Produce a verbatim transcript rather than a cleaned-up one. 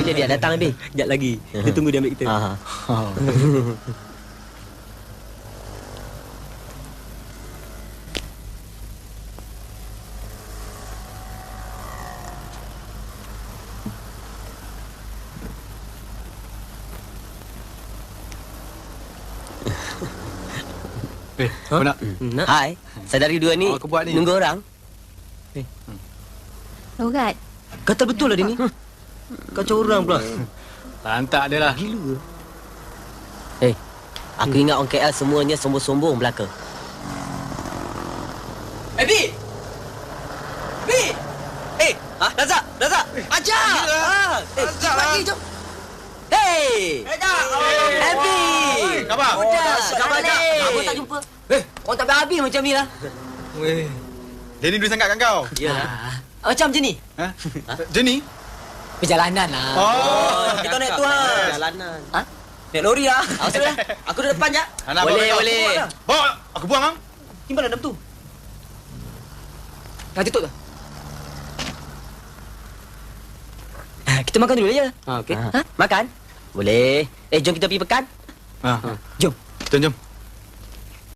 Bila dia datang habis? Sekejap lagi. Kita tunggu dia ambil kita. Ha. Eh, kau nak? Nak? Hai. Saudari dua ni, Oh, aku buat ni. nunggu orang. Logat. Kata betul lah dia ni. Kacau orang pula. Lantak dia lah. Gila. Eh, aku ingat orang K L semuanya sombong-sombong belaka. Eh, Bi! Bi! Eh, ha? Razak! Razak! Ajar! Ha! Eh, Razak lagi, jom! Hei! Eh, Bi! Khabar? Udah, Khabar, dah balik. Apa tak jumpa? Eh, orang tak habis macam ni lah. Weh. Dia ni dulu sangatkan kau. Yalah. Macam je ni. Ha? Jenny? Perjalanan lah. Oh. Kita naik tu lah. Jalanan. Ha? Naik lori lah. Aku sudah. Aku duduk depan je. Anak Boleh, bawa kau. boleh. Bawa, aku buang ah. Timbalan dalam tu. Dah tutup dah. Ah, kita makan dulu je. Ha, okey. Ha? Makan? Boleh. Eh, jom kita pergi pekan. Ha. Jom. Jom, jom.